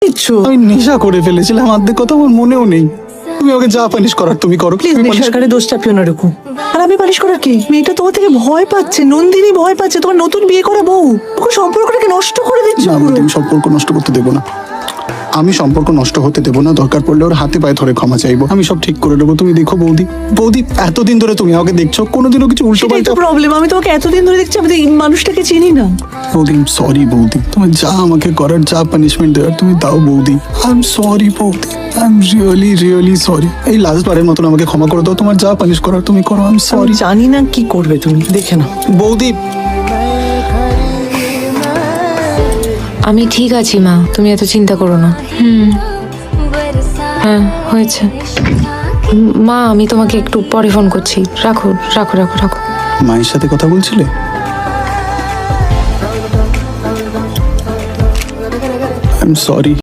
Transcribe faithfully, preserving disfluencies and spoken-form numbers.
আমি নেশা করে ফেলেছিলাম, অর্ধেক কথা আমার মনেও নেই। তুমি ওকে যা পানিশ করার তুমি করো। প্লিজ সরকারের দোষ চাপিও না এরকম। আর আমি পালিশ করার কি? মেয়েটা তোমার থেকে ভয় পাচ্ছে, নন্দিনী ভয় পাচ্ছে, তোমার নতুন বিয়ে করা বউ। ওকে সম্পর্কটাকে নষ্ট করে দিচ্ছ। না বৌদি, আমি সম্পর্ক নষ্ট করতে দেবো না। আমি সম্পর্ক নষ্ট হতে দেবো না। দরকার পড়লে ওর হাতে পায়ে ধরে ক্ষমা চাইবো। আমি সব ঠিক করে দেবো। তুমি দেখো বৌদি, বৌদি এতদিন ধরে তুমি আমাকে দেখছো, কোনোদিনও কিছু উল্টো সেটাই পাল্টা। তো প্রবলেম। আমি তোমাকে এতদিন ধরে দেখছি, আমি তো এই মানুষটাকে চিনি না। বৌদি সরি বৌদি, তুমি যা আমাকে করার, যা পানিশমেন্ট দেওয়ার তুমি দাও বৌদি। আই এম সরি বৌদি, I am really really sorry. এই লাস্ট বারের মতন আমাকে ক্ষমা করে দাও। তোমার যা পানিশ করার তুমি করো। আই এম আমি সরি জানি না কি করবে তুমি, দেখে না। বৌদি। আমি ঠিক আছি মা, তুমি এত চিন্তা করো না। হুম, হ্যাঁ হয়েছে। উম, মা আমি তোমাকে একটু পরে ফোন করছি। রাখো রাখো রাখো রাখো। মায়ের সাথে কথা বলছিলে? I am sorry.